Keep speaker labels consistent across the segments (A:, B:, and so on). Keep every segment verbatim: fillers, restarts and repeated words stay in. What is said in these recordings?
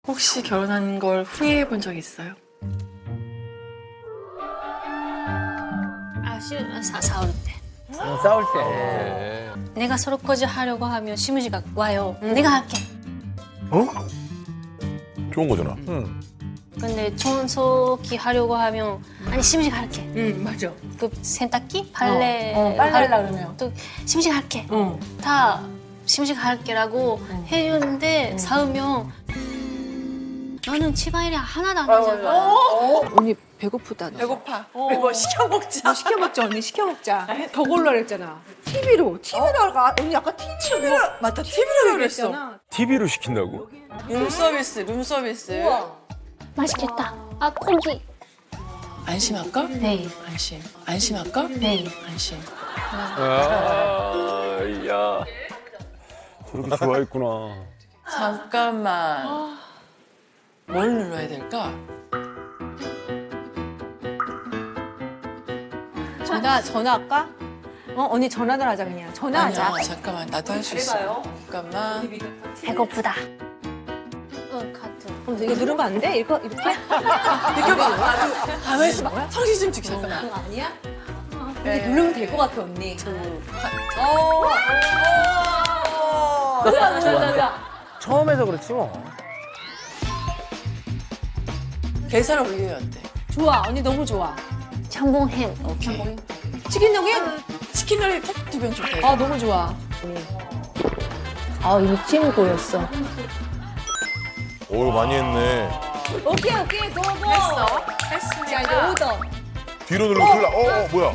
A: 혹시 결혼한 걸 후회해 본 적 있어요?
B: 아, 시, 사, 싸울 때.
C: 어, 싸울 때.
B: 내가 설거지 하려고 하면 시무지가 와요. 내가 할게.
D: 어? 좋은 거잖아.
C: 응.
B: 근데 청소기 하려고 하면 아니 시무지가 할게.
A: 응, 맞아.
B: 그 세탁기, 빨래,
A: 어, 어, 빨래
B: 할-
A: 하려고 그러면.
B: 또 시무지가 할게.
A: 응.
B: 다 시무지가 할게라고 해주는데 싸우면 너는 집안일이 하나도 안 하잖아.
E: 언니 배고프다. 너.
A: 배고파. 뭐 시켜 먹자.
E: 뭐 시켜 먹자 언니 시켜 먹자. 더 골라 그랬잖아. 티비로 티비로 가. 언니 아까 티비로
A: 맞다, 티비로 그랬어.
E: 그랬잖아.
D: 티비로 시킨다고?
A: 룸 서비스, 룸 서비스.
B: 맛있겠다. 아 고기.
A: 안심할까?
B: 네.
A: 안심. 안심할까?
B: 네.
A: 안심.
D: 아, 야. 저렇게 좋아했구나.
A: 잠깐만. 뭘 눌러야 될까?
E: 전화 전화할까? 어 언니 전화를 하자 그냥. 전화하자.
A: 아니야, 잠깐만. 나도 할 수 있어. 잠깐만.
B: 배고프다. 응 카드.
E: 어, 이거 누르면 안 돼? 이거 이렇게?
A: 비켜봐. 가만히 있어봐. 성실 좀 지켜, 잠깐만.
E: 그거 아니야? 근데 누르면 될 것 같아 언니.
C: 처음에서 그렇지 뭐.
A: 계산을 올려야 돼.
E: 좋아 언니 너무 좋아.
B: 참봉햄.
A: 오케이.
E: 치킨 너겟?
A: 치킨을 탁두병 줄게.
E: 아 너무 좋아.
B: 아 이미 찜 보였어.
D: 오, 많이 했네.
E: 오케이 오케이 고고.
A: 했어.
E: 자 이제
A: 했으니까.
E: 오더.
D: 뒤로 누르면 큰일 나. 어, 어, 뭐야?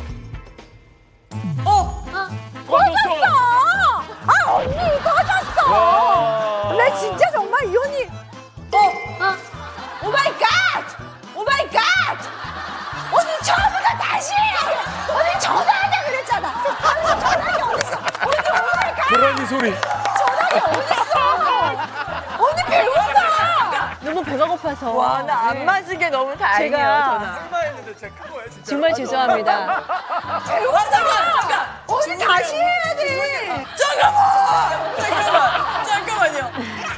E: 나 진짜 정말 이 언니. 어? 오 마이 갓! 오 마이 갓! 언니 처음부터 다시! 언니 전화하자 그랬잖아. 언니 전화기 어딨어? 언니 오 마이 갓!
D: 고라니 소리.
E: 언니 배고파! 너무 배가 고파서.
A: 와, 나 안 맞은 너무 다행이에요, 전화.
E: 정말 죄송합니다.
A: 잠깐, 잠깐.
E: 언니 다시 해야 돼.
A: 잠깐만. 잠깐만요.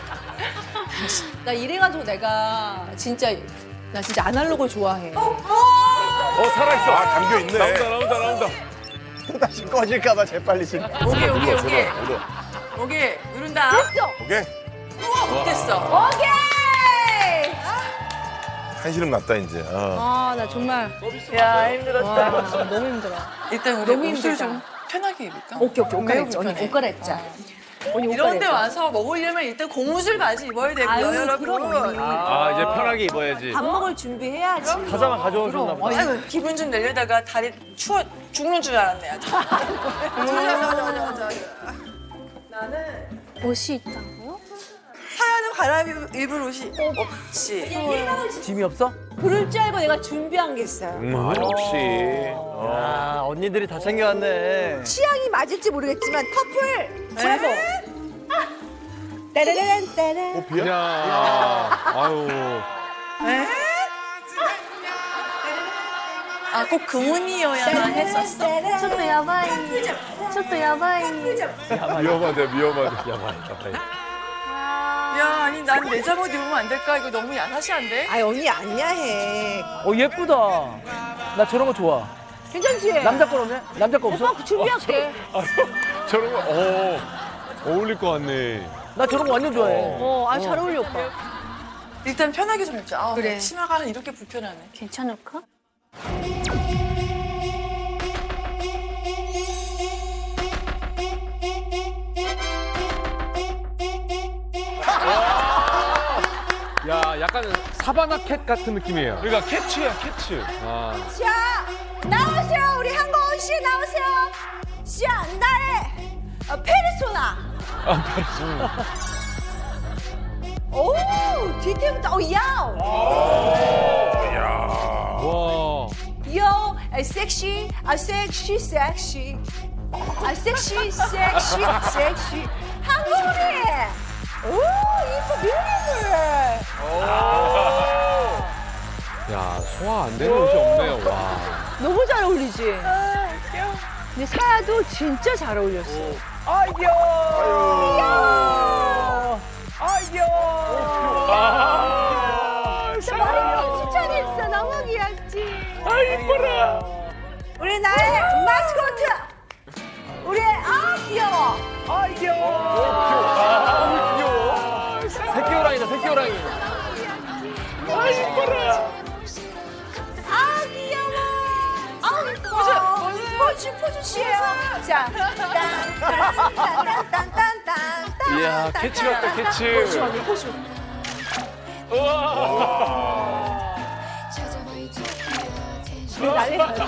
E: 나 이래가지고 내가 진짜 나 진짜 아날로그 좋아해.
D: 어, 살아있어. 아, 담겨있네. 나온다, 나온다, 나온다.
F: 다시 꺼질까봐 재빨리 심.
A: 오케이, 오케이, 오케이.
D: 얻어.
A: 오케이. 누른다.
D: 오케이.
A: 우와, 됐어.
E: 오케이!
D: 한시름 났다, 이제. 어.
E: 아, 나 정말.
A: 야, 힘들었다.
E: 와, 너무 힘들어.
A: 일단 우리
E: 너무
A: 옷을
E: 힘들다.
A: 좀 편하게 입을까?
E: 오케이, 오케이. 옷
A: 매우
E: 갈아입자. 언니
A: 불편해.
E: 옷 갈아입자. 언니 옷
A: 이런 데
E: 갈아입자.
A: 와서 먹으려면 일단 고무줄 바지 입어야 되고요,
E: 아유,
A: 여러분.
E: 그럼 언니.
G: 아 이제 편하게 입어야지.
E: 밥 먹을 준비해야지.
G: 가자만 가져오셨나 보다.
A: 아이고, 기분 좀 내려다가 다리 추워 죽는 줄 알았네, 아주.
B: 옷이 있다고요?
A: 사연은 갈아입을 옷이 없지.
C: 짐이 없어?
E: 그럴 줄 알고 내가 준비한 게 있어요.
D: 아, 역시. 어.
G: 아 언니들이 다 챙겨왔네.
E: 취향이 맞을지 모르겠지만 커플 브라보. 따라란 따라.
D: 호피야?
G: 야, 아유.
A: 아, 꼭 금은이어야만 했었어?
B: ちょっとやばい。ちょっとやばい。
D: 위험하다, 위험하다.
A: 야, 아니, 난 내 잠옷 입으면 안 될까? 이거 너무 야사시한데?
E: 아이 언니 아니야 해.
C: 어 예쁘다. 나 저런 거 좋아.
E: 괜찮지?
C: 남자 거 없네? 남자 거 없어?
E: 오빠 준비할게.
D: 저런 거, 어, 어울릴 것 같네.
C: 나 저런 거 완전 좋아해.
E: 어, 아 잘 어울려 오빠.
A: 일단 편하게 좀 입자. 아, 그래. 치마가 이렇게 불편하네.
B: 괜찮을까?
G: 야 약간 사바나 캣 같은 느낌이에요.
D: 그러니까 캐치야, 캐치.
G: 아.
E: 자 나오세요 우리 한고은 씨 나오세요. 샹다의 어, 페르소나.
D: 아, 페르소나.
E: 오 뒤태부터 오 야오.
D: 이야.
G: 와.
E: 요 아, 섹시 아 섹시 섹시 아 섹시 섹시 섹시 한국이 오 이뻐 뷰티풀.
G: 야 소화 안 되는 옷이 없네요. 와.
E: 너무 잘 어울리지. 근데 사야도 진짜 잘 어울렸어.
C: 아이고.
D: 아유.
C: 아이고.
D: 아. 이뻐라.
E: 우리 나의 마스코트. 우리 아 귀여워.
C: 아, 귀여워.
D: 아, 귀여워.
C: 새끼 호랑이다, 새끼 호랑이.
D: 아, 이뻐라.
E: 아 귀여워. 아 이뻐. 포즈 포즈 씨예요. 자, 딴딴딴딴딴딴딴.
G: 이야, 캐치 같다, 캐치.
E: 포즈 언니 포즈. 난리 났어.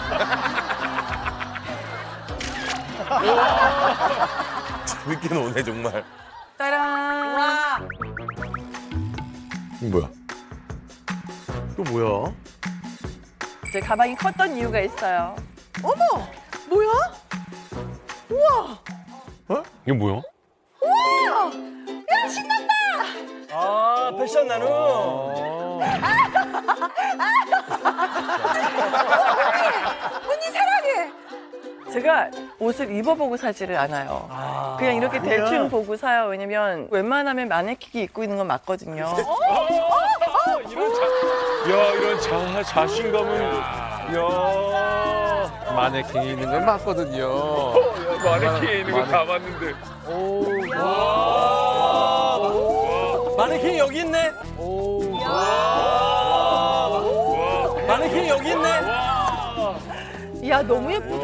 H: 재밌게 노네 정말.
A: 따란.
E: 와.
H: 이거 뭐야? 또 뭐야?
A: 제 가방이 컸던 이유가 있어요.
E: 어머, 뭐야? 우와,
D: 이게 뭐야?
E: 우와, 야 신난다.
C: 아, 패션 나눔.
E: 언니 사랑해.
A: 제가 옷을 입어보고 사지를 않아요.
C: 아,
A: 그냥 이렇게 대충 보고 사요. 왜냐면 웬만하면 마네킹이 입고 있는 건 맞거든요.
D: 이런 자, 야, 이런 자, 자신감은, 야.
G: 마네킹이 있는 건 맞거든요.
D: 마네킹에 있는 거 다 봤는데.
C: 오, 마네킹이 여기 있네. 오, 마네킹이 여기 있네.
E: 야 너무 예쁘다.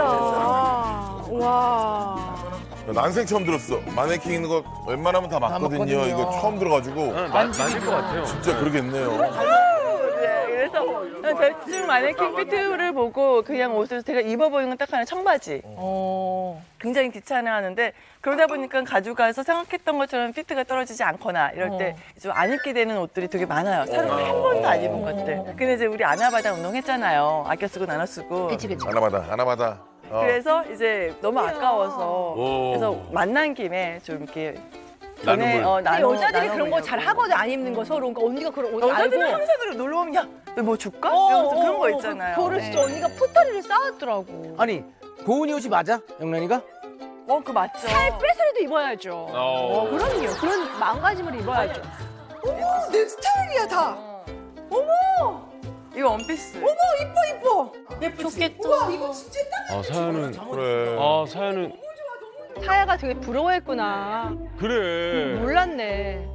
E: 와.
H: 난생 처음 들었어. 마네킹 있는 거 웬만하면 다 맞거든요.
C: 맞거든요.
H: 이거 처음 들어가지고
D: 나, 맞을 것 같아요.
H: 진짜 그러겠네요.
A: 네, 그래서 그냥 대충 마네킹 피트를 보고 그냥 옷을 제가 입어보는 건 딱 하나 청바지. 굉장히 귀찮아하는데 그러다 보니까 가져가서 생각했던 것처럼 피트가 떨어지지 않거나 이럴 때 좀 안 입게 되는 옷들이 되게 많아요. 새로 한 번도 안 입은 것들. 근데 이제 우리 아나바다 운동했잖아요. 아껴 쓰고 나눠 쓰고.
B: 그치 그치.
H: 하나마다 하나마다. 어.
A: 그래서 이제 너무 아까워서
H: 오.
A: 그래서 만난 김에 좀 이렇게
D: 나눔을.
A: 전에, 어,
E: 근데
A: 나눠-
E: 여자들이 그런 거 잘
A: 나눠보려고.
E: 하거든 안 입는 거 서로. 그러니까 언니가 그런 옷
A: 여자들은
E: 알고.
A: 항상 그래 놀러 오면 야, 너 뭐 줄까?
E: 어,
A: 이러면서
E: 어,
A: 그런 거
E: 어,
A: 있잖아요.
E: 그거를 진짜
A: 네.
E: 언니가 포터리를 쌓았더라고.
C: 아니, 고은이 옷이 맞아? 영란이가?
A: 어, 그 맞죠.
E: 살 빼서라도 입어야죠.
D: 어.
E: 그럼요. 그런 마음가짐을 입어야죠. 어머, 내 스타일이야 다. 어머,
A: 이거 원피스.
E: 어머, 이뻐 이뻐.
A: 예쁘지?
B: 좋겠다.
E: 와, 이거 진짜 딱.
D: 아, 사연은,
H: 그래.
D: 아, 사연은,
E: 사야가 되게 부러워했구나.
D: 그래.
E: 몰랐네.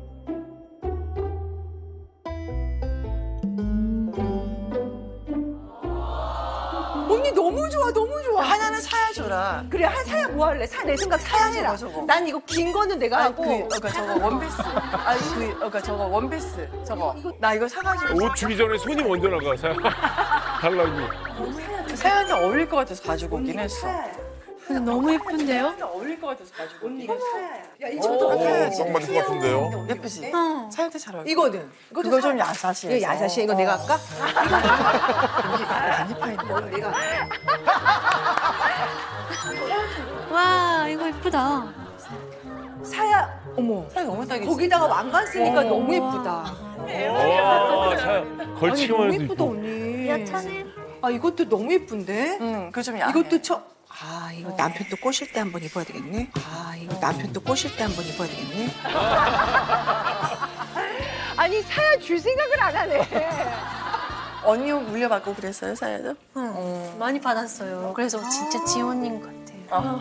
E: 언니 너무 좋아, 너무 좋아.
A: 하나는 사야 줘라.
E: 그래, 한 사야 뭐 할래? 사, 내 생각 사야 해라.
A: 저거, 저거.
E: 난 이거 긴 거는 내가
A: 아니,
E: 하고.
A: 그, 그러니까 저거 원피스. 아니, 그, 그러니까 저거 원피스. 저거. 나 이거 사가지고.
D: 옷 주기 전에 손이 먼저 나가, 사연. 달라고.
A: 사연한테 어울릴 것 같아서 가지고 오긴 했어.
B: 근데 너무 예쁜데요?
A: 사연한테 어울릴 것 같아서 가지고 오긴 했어.
E: 야,
H: 오,
E: 이거도
H: 딱 맞을 것 같은데요.
A: 예쁘지? 사연한테 잘 어울려.
E: 이거는. 이것도
A: 그거
E: 사-
A: 좀 야사시해.
E: 이거 야자시 이거 내가 할까? 이거 내가.
B: 와 이거 예쁘다.
E: 사야, 어머.
A: 사연 너무 딱이지?
E: 거기다가 왕관 쓰니까 너무 예쁘다.
D: 와, 사연. 걸치기만
E: 너무
D: 해도
E: 예쁘다
D: 이뻐.
E: 언니.
B: 야차네.
E: 아 이것도 너무 예쁜데?
A: 응, 그거 좀 야해.
E: 이것도 쳐.
I: 아 이거 남편도 꼬실 때 한번 입어야 되겠네. 아 이거 남편도 꼬실 때 한번 입어야 되겠네.
E: 아니 사야 줄 생각을 안 하네.
A: 언니 옷 물려받고 그랬어요, 사연도? 응.
B: 많이 받았어요. 그래서 진짜 지원님 같아요.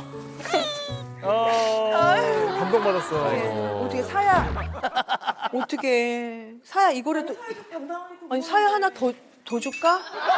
C: 감동받았어.
E: 어떻게 사야? 어떻게 사야 이거라도 아니 사야 하나 더 더 줄까?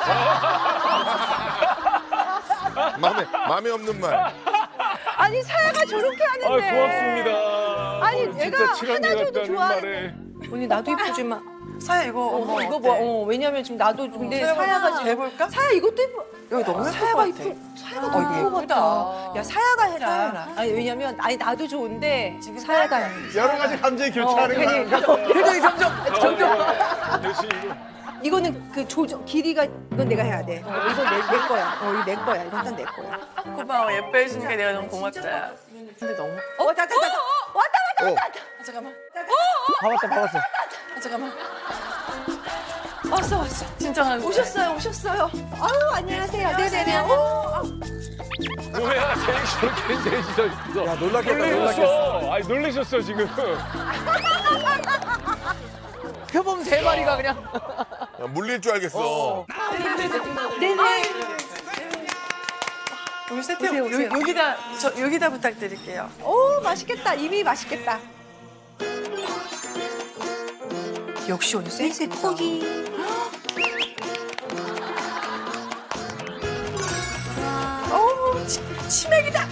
H: 마음에 마음에 없는 말.
E: 아니 사야가 저렇게
D: 아,
E: 하는데.
D: 고맙습니다.
E: 아니,
D: 어,
E: 내가
D: 진짜 친한
E: 하나
D: 게
E: 줘도
D: 같다는
E: 좋아하는데.
D: 말에.
E: 언니 나도 이쁘지만.
A: 사야 이거
E: 어,
A: 어머,
E: 이거
A: 어때?
E: 봐. 어, 왜냐면 지금 나도 근데
A: 사야가
E: 사야가 지금
A: 해볼까?
E: 사야 이것도 이뻐.
A: 이거 너무 예쁠
E: 사야가
A: 것 같아.
E: 이쁘. 사야가
A: 어,
E: 너무
A: 이거
E: 예쁠 것
A: 예쁘다.
E: 같다. 야 사야가 해라.
A: 사야라.
E: 아니 왜냐면 아니 나도 좋은데 지금 사야가 해.
F: 여러 가지 감정이 교차하는
E: 괜히
F: 거야.
E: 표정이 점점 점점.
D: 대신 이거.
E: 이거는 그 조정 길이가 이건 내가 해야 돼. 어, 이건 내, 내 거야. 어, 이거 내 거야. 이건 다 내 거야.
A: 고마워, 예뻐해 주니까 내가 너무 고맙다. 근데 너무.
E: 어, 왔다 왔다 왔다. 왔다 왔다.
A: 아, 잠깐만.
C: 봐봤다, 봐봤어.
A: 아, 잠깐만.
E: 왔어 왔어.
A: 진짜
E: 오셨어요 오셨어요. 아유 안녕하세요. 네네네. 어,
D: 뭐야, 쟤 저렇게 쟤 진짜.
C: 야, 놀랐겠다, 놀랐겠어.
D: 놀라셨어. 아니, 놀라셨어, 지금.
C: 표범 세 마리가 그냥.
H: 야, 물릴 줄 알겠어.
E: 네네.
A: 우리 세트 요, 여기다 저 여기다 부탁드릴게요.
E: 오 맛있겠다. 이미 맛있겠다. 역시 오늘 센스 있다.
B: 고기.
E: 오 치, 치맥이다.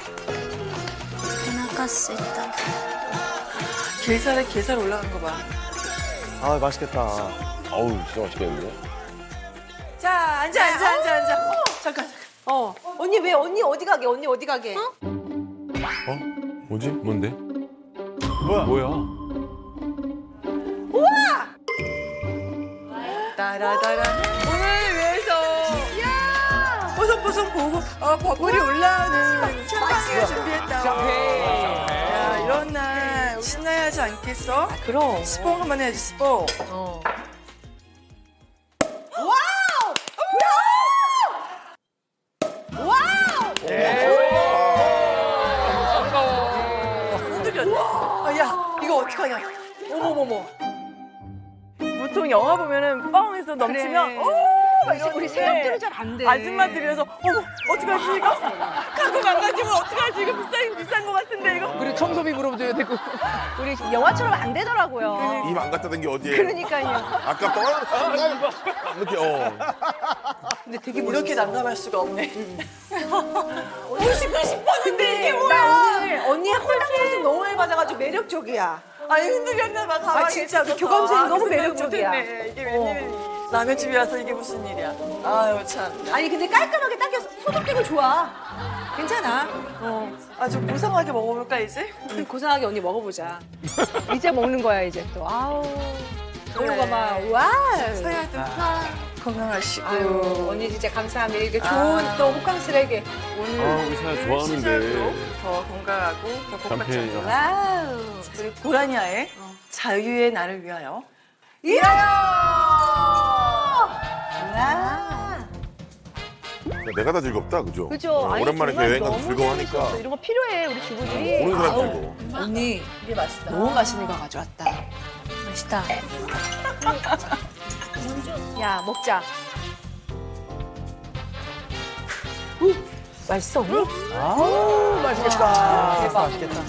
B: 오나카세다.
A: 게살에 게살 올라간 거 봐.
F: 아 맛있겠다.
D: 어우, 진짜 맛있겠는데?
A: 자 앉아 앉아 앉아 앉아. 어, 잠깐.
E: 어 언니 왜 언니 어디 가게? 언니 어디 가게?
D: 어? 뭐지? 뭔데?
F: 뭐야?
D: 뭐야?
A: 따라따라. 오늘 위해서. 야. 보송보송 보고 어 버블이 올라오는 샴페인을 준비했다. 야 이런 날 신나야 하지 않겠어?
E: 그럼.
A: 스포 한번 해야지 스포.
E: 어.
A: 흔들렸네. 아, 야, 이거 어떡하냐. 어머머머. 보통 영화 보면은 뻥해서 넘치면, 오! 막 이러는데
E: 우리 생각대로 잘 안 돼.
A: 아줌마들이어서, 어머, 어떡하지, 이거? 갖고 망가지면 어떡하지, 이거 비싸긴 비싼 것 같은데, 이거?
C: 우리 청소비 물어줘야 되고.
E: 우리 영화처럼 안 되더라고요.
H: 입 안 갖다 댄 게 어디에?
E: 그러니까요.
H: 아까 떠 이렇게 어.
A: 근데 되게 이렇게 난감할 수가 없네. 오시고 싶었는데 이게 뭐야?
E: 나 오늘 언니의 홀랑 모습 너무 많이 받아가지고 매력적이야.
A: 아니, 흔들렸나 봐, 가만히
E: 아, 진짜
A: 있어서.
E: 교감 선생님 너무
A: 그 생각
E: 매력적이야.
A: 못했네. 이게 웬일이니. 남의 집에 와서 이게 무슨 일이야. 아유, 참.
E: 아니 근데 깔끔하게 닦여서 소독되고 좋아. 괜찮아.
A: 어, 아주 고상하게 먹어볼까, 이제?
E: 음, 고상하게 언니 먹어보자. 이제 먹는 거야 이제 또. 아우. 그러고 막 와.
A: 서야도 건강하시고.
E: 아유 언니 진짜 감사합니다. 이렇게 좋은 또 호캉스에게 오늘.
D: 아, 우리 사야 좋아하는데.
A: 시절도 더 건강하고 더 복받쳐.
D: 남편이랑.
E: 와우.
A: 우리 고라니아의 자유의 날을 위하여.
E: 일어요. 와.
H: 내가 다 즐겁다, 그죠?
E: 그죠.
H: 어,
E: 아니,
H: 오랜만에
E: 정말
H: 여행 가서
E: 너무
H: 즐거워하니까.
E: 재밌었어. 이런 거 필요해 우리 주부들이.
H: 오는 사람
E: 아우.
H: 즐거워.
E: 언니
A: 이게 맛있다.
E: 너무 맛있는 거 가져왔다.
B: 맛있다.
E: 야 먹자. 우, 맛있어 언니?
C: 아우, 맛있겠다.
E: 대박.
C: 맛있겠다.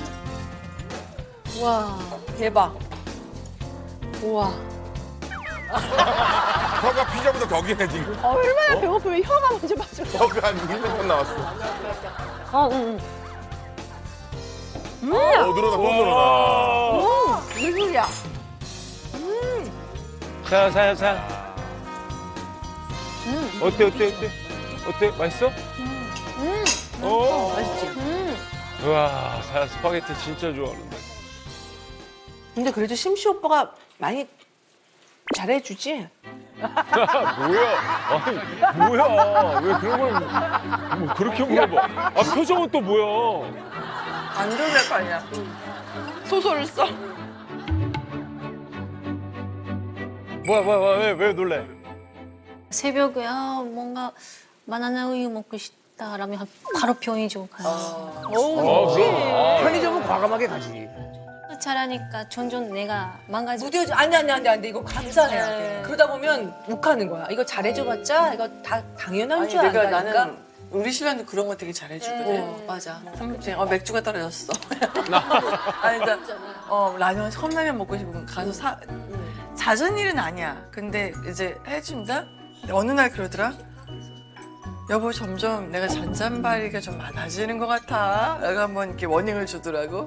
E: 와 대박. 우와.
H: 혀가 피자보다 더 기네, 지금.
E: 아, 얼마나 배고프면 혀가 먼저 맞아.
H: 혀가 한 일 년 나왔어.
E: 어, 응, 응.
H: 어, 늘어나, 또 늘어나.
E: 오, 무슨 소리야?
D: 자, 사야, 사야. 어때, 어때, 어때? 어때? 맛있어? 음. 어.
E: 맛있지?
D: 우와, 사야 스파게티 진짜 좋아하는데.
E: 근데 그래도 심시 오빠가 많이 잘해주지?
D: 뭐야? 아니, 뭐야? 왜 그런 걸, 뭐 그렇게 물어봐? 아, 표정은 또 뭐야?
A: 안 놀랄 거 아니야. 소설을 써.
F: 뭐야 뭐야 뭐야 왜, 왜 놀래?
B: 새벽에 아, 뭔가 바나나 우유 먹고 싶다라면 바로 편의점 가요.
D: 어, 그럼.
C: 편의점은 과감하게 가지.
B: 잘하니까 점점 내가 망가지고.
E: 무뎌져. 안 돼, 안 돼, 안 돼, 안 돼. 이거 감사해야 돼. 그러다 보면 욱하는 거야. 이거 잘해줘봤자 이거 다 당연한
A: 아니,
E: 줄
A: 내가
E: 안다니까.
A: 나는 우리 신랑도 그런 거 되게 잘해주거든.
E: 어, 맞아.
A: 삼겹살. 어, 맥주가 떨어졌어. 아니, 나, 어, 라면, 컵라면 먹고 싶으면 가서 사. 잦은 일은 아니야. 근데 이제 해준다? 근데 어느 날 그러더라? 여보, 점점 내가 잔잔바리가 좀 많아지는 것 같아. 내가 한번 이렇게 워닝을 주더라고.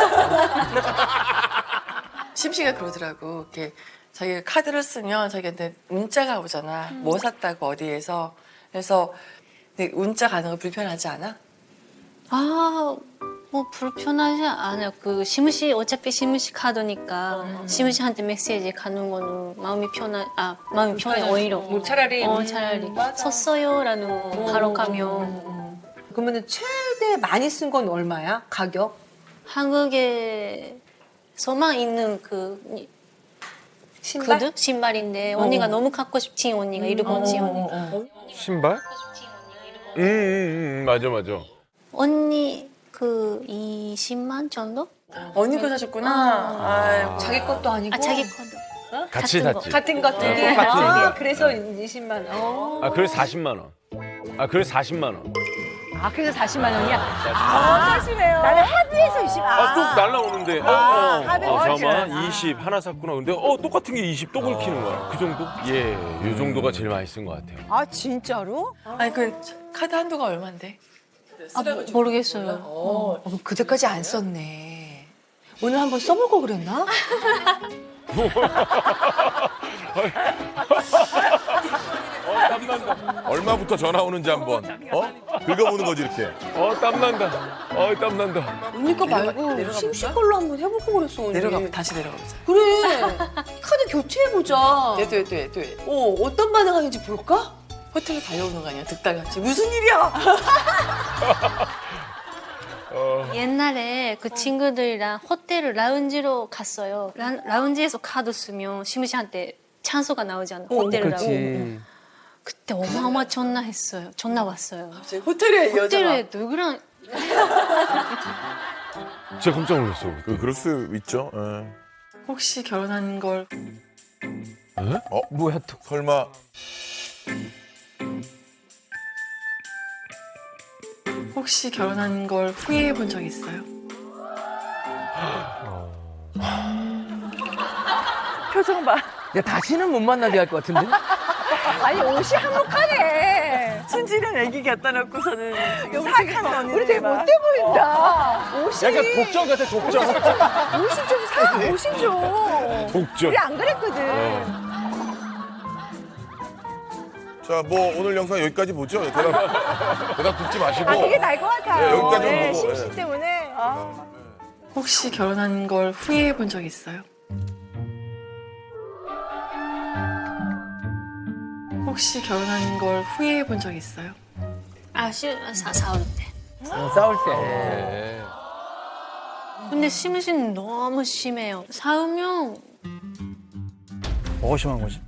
A: 심씨가 그러더라고. 이렇게 자기가 카드를 쓰면 자기한테 문자가 오잖아. 뭐 샀다고 어디에서. 그래서 근데 문자 가는 거 불편하지 않아?
B: 아, 뭐 불편하지 않아요. 그 시무시 어차피 시무시 카드니까 시무시한테 메시지 가는 거는 마음이 편하, 아 마음이 편해 오히려.
E: 뭐 차라리.
B: 어 차라리 썼어요라는 거 바로 가면.
E: 그러면은 최대 많이 쓴 건 얼마야? 가격?
B: 한국에서만 있는 그
E: 신발?
B: 구두 신발인데 언니가 너무 갖고 싶지 언니가 일본지 언니.
D: 신발? 응, 응, 응, 맞아, 맞아.
B: 언니 그 이십만 정도?
A: 언니 거 사셨구나. 아이고.
E: 자기 것도 아니고.
B: 아 자기 것도.
D: 같이
B: 같은 거.
D: 샀지.
E: 같은 것 두 개.
D: 네, 똑같은
E: 아,
D: 게.
E: 그래서 이십만 원. 어.
D: 아 그래서 사십만 원. 아 그래서 사십만 원.
E: 아, 그래서 사십만 원이야?
A: 아, 사시네요.
E: 나는 합의해서 이십.
D: 아 또 날라오는데. 어,
E: 아,
D: 어,
E: 하면
D: 어,
E: 그렇지.
D: 잠깐만 이십 하나 샀구나. 근데 어 똑같은 게 이십 또 긁히는 거야. 그 정도? 예, 이 정도가 제일 많이 쓴 것 같아요.
E: 아, 진짜로?
A: 아니 그 카드 한도가 얼마인데?
B: 아, 모- 모르겠어요.
E: 어, 그때까지 안 썼네. 오늘 한번 써볼 거 그랬나?
D: 어 땀난다.
H: 얼마부터 전화 오는지 한번 어? 긁어보는 거지 이렇게.
D: 어 땀난다. 어 땀난다.
E: 언니 거 말고 심씨 걸로 한번 해볼 거 그랬어, 언니.
A: 내려가 다시 내려가보자.
E: 그래. 카드 교체해보자.
A: 돼, 돼, 돼, 돼.
E: 어, 어떤 반응하는지 볼까?
A: 호텔에 달려오는 거 아니야? 득달같이. 무슨 일이야?
B: 옛날에 그 친구들이랑 호텔 라운지로 갔어요. 라, 라운지에서 카드 쓰면 시무시한테 찬스가 나오잖아. 호텔이라고. 그때 어마어마 전화 했어요. 전화 왔어요.
A: 갑자기 호텔에 여자가.
B: 호텔에 누구랑
D: 진짜 깜짝 놀랐어.
H: 그 그럴 수 있죠. 예.
A: 혹시 결혼한 걸
H: 어 뭐야 또 설마
A: 혹시 결혼한 걸 후회해 본 적 있어요? 표정 봐.
C: 야, 다시는 못 만나게 할 것 같은데?
E: 아니, 옷이 한몫하네.
A: 순진한 애기 갖다 놓고서는 사악한 언니.
E: 우리 되게 못돼 보인다. 옷이.
F: 약간 독점 같아, 독점.
E: 옷이 좀 사, 옷이 좀.
D: 독점.
E: 우리 안 그랬거든.
H: 자 뭐 오늘 영상 여기까지 보죠. 대답 대답 듣지 마시고.
E: 아, 그게 나을 것 같아요.
H: 네, 여기까지만
E: 네,
H: 보고,
E: 심씨
H: 네.
E: 때문에. 아.
A: 혹시 결혼한 걸 후회해 본 적 있어요? 혹시 결혼한 걸 후회해 본 적 있어요?
B: 아, 시, 사, 싸울 때.
C: 어, 싸울 때.
B: 근데 시무시는 너무 심해요. 싸우면
F: 뭐가 심한 거지?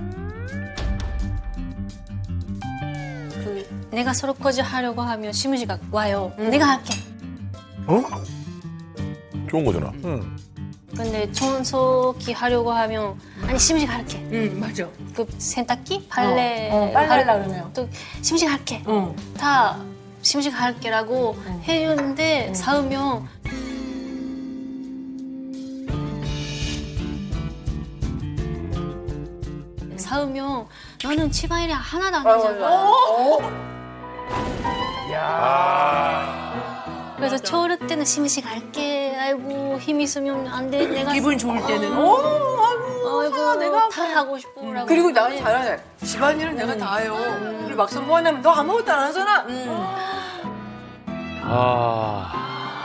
B: 그 내가 설거지 하려고 하면 시무시가 와요. 내가 할게.
H: 어? 좋은 거잖아.
F: 응.
B: 근데 청소기 하려고 하면 아니 시무시가 할게.
E: 응, 맞아.
B: 그 세탁기, 빨래,
E: 어, 어, 빨래 하려고 그러면.
B: 또 시무시가 할게.
E: 응.
B: 다 시무시가 할게라고 해주는데 싸우면 싸우면 너는 집안일이 하나도 안 하잖아.
H: 아.
B: 그래서 저럴 때는 시무시가 할게. 아이고 힘 있으면 안 돼. 내가
E: 기분 좋을 때는. 어, 아이고.
B: 아이고
E: 내가
B: 다 하고 싶어라고.
A: 그리고 나 잘하네. 집안일은 내가 다 해요. 그리고 막상 보완하면 너 아무것도 안 하잖아.
D: 아.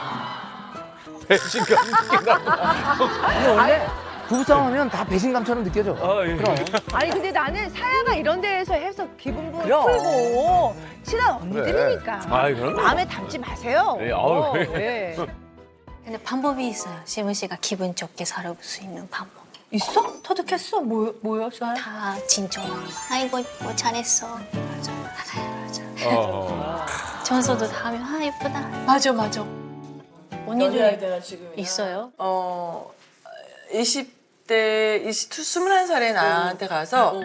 D: 배신감.
C: 근데 원래 부부싸움하면 다 배신감처럼 느껴져.
D: 아 예.
E: 아니, 근데 나는 사야가 이런 데에서 해서 기분도 풀고 친한 언니들이니까.
D: 아이, 그럼요.
E: 마음에 담지 마세요.
D: 네, 아우,
E: 어,
D: 네.
E: 네.
B: 근데 방법이 있어요. 시무시가 기분 좋게 살아볼 수 있는 방법.
E: 있어? 터득했어? 뭐, 뭐야, 사야?
B: 다 진정. 아이고 뭐 잘했어. 맞아, 맞아, 맞아.
D: 어.
B: 청소도 다 하면 아 예쁘다.
A: 맞아, 맞아.
B: 언니들
A: 내가 지금
B: 있어요?
A: 어, 이십 대, 이십이, 스물한 살에 나한테 가서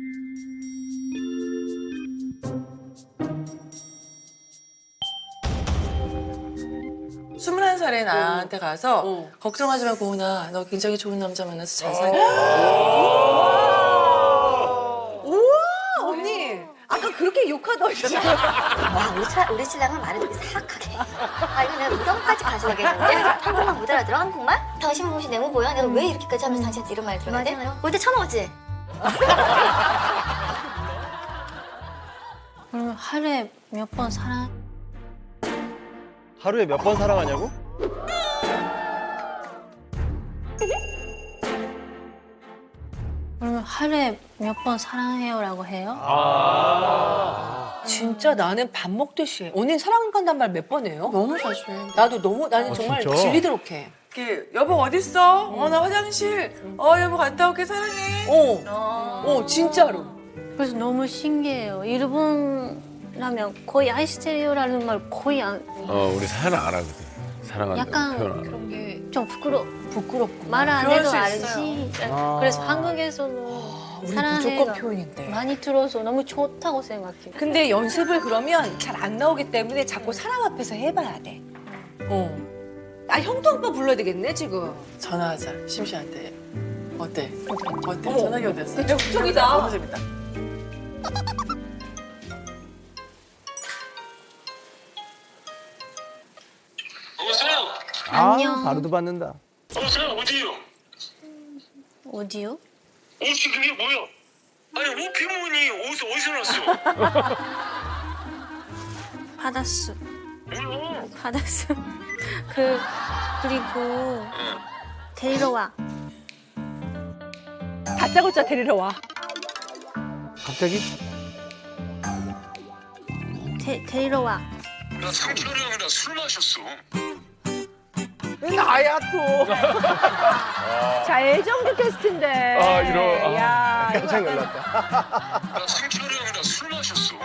A: 스물한 살에 나한테 가서 걱정하지 마, 고은아. 너 굉장히 좋은 남자 만나서 잘 살게.
E: 우와, 언니. 아까 그렇게 욕하더니.
J: 와, 우리, 차, 우리 신랑은 말을 되게 사악하게. 아, 이거 내가 무덤까지 가져가겠는데? 한국말 못 알아들어, 한국말? 당신 무엇이 내모 보여? 내가 왜 이렇게까지 하면서 당신한테 이런 말 들어야 돼? 올 때 쳐먹었지?
B: 그러면 하루에 몇 번 사랑?
F: 하루에 몇 번 사랑하냐고?
B: 그러면 하루에 몇 번 사랑해요라고 해요?
E: 진짜 나는 밥 먹듯이 해. 언니는 사랑한다는 말 몇 번 해요?
A: 너무 자주 해.
E: 나도 너무, 나는 정말
F: 진짜?
E: 질리도록 해.
A: 이렇게 여보 어딨어? 어, 나 화장실. 어, 여보 갔다 올게, 사랑해.
E: 어, 어, 진짜로.
B: 그래서 너무 신기해요. 일본라면 거의 아이스테리오라는 말 거의 안.
D: 어 우리 사연은 안 하거든. 사랑한다고
B: 약간
D: 표현 안 하고.
A: 그런 게
B: 좀 부끄러
E: 부끄럽고.
B: 말 안
A: 그럴
B: 해도
A: 수
B: 알지.
A: 있어요.
C: 아.
B: 그래서 한국에서는
E: 우리
B: 사랑해가
E: 무조건 표현인데.
B: 많이 들어서 너무 좋다고 생각해.
E: 근데 연습을 그러면 잘 안 나오기 때문에 자꾸 사람 앞에서 해봐야 돼. 어. 아 형도 오빠 불러야 되겠네 지금.
A: 전화하자 심씨한테. 어때? 어때?
E: 어머.
A: 전화기 어땠어?
E: 근데 적극적이다.
A: 너무 재밌다.
K: 여보세요?
C: 아,
B: 안녕.
C: 바로도 받는다.
K: 여보세요? 어디요?
B: 어디요?
K: 옷이 그게 뭐야? 아니 옷 피문이 옷을 어디서 났어?
B: 받았어.
K: 뭐야?
B: 받았어. 그 그리고 데리러 와.
E: 다짜고짜 데리러 와.
C: 갑자기?
B: 데, 데리러 와.
K: 나 상철이 형이랑 술 마셨어.
C: 나야 또.
E: 자 애정도 테스트인데.
D: 아, 이런, 아.
E: 야 이거
F: 깜짝 놀랐다.
K: 나 상철이 형이랑 술 마셨어.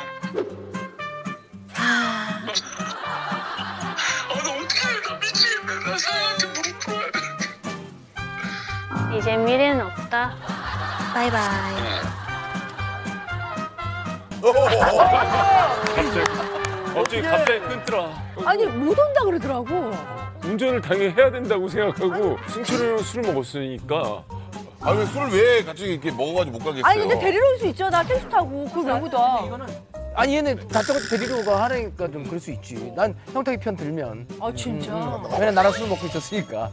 B: 아,
K: 아, 나 어떻게 해? 나 미치겠네. 나 사장한테 무릎 꿇어야 돼.
B: 이제 미래는 없다. 바이바이.
D: 갑자기 갑자기 갑자기 끊더라.
E: 아니 못 온다 그러더라고.
D: 운전을 당연히 해야 된다고 생각하고 승철이랑 술을 먹었으니까
H: 아 왜 술을 왜 같이 이렇게 먹어가지고 못 가겠어요?
E: 아니 근데 데리러 올 수 있잖아 택시 타고. 그걸 왜 못 와?
C: 아니 얘는 다짜고짜 데리러 가 하니까 좀 그럴 수 있지. 난 형탁이 편 들면.
E: 아 진짜.
C: 왜냐면 나랑 술 먹고 있었으니까.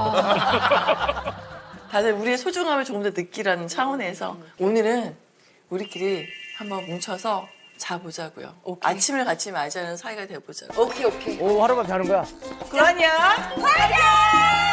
A: 다들 우리의 소중함을 조금 더 느끼라는 차원에서 오늘은 우리끼리 한번 뭉쳐서 자보자고요. 아침을 같이 맞이하는 사이가 돼보자고.
E: 오케이 오케이.
C: 오 하룻밤 자는 거야.
A: 그러냐?
E: 파이팅!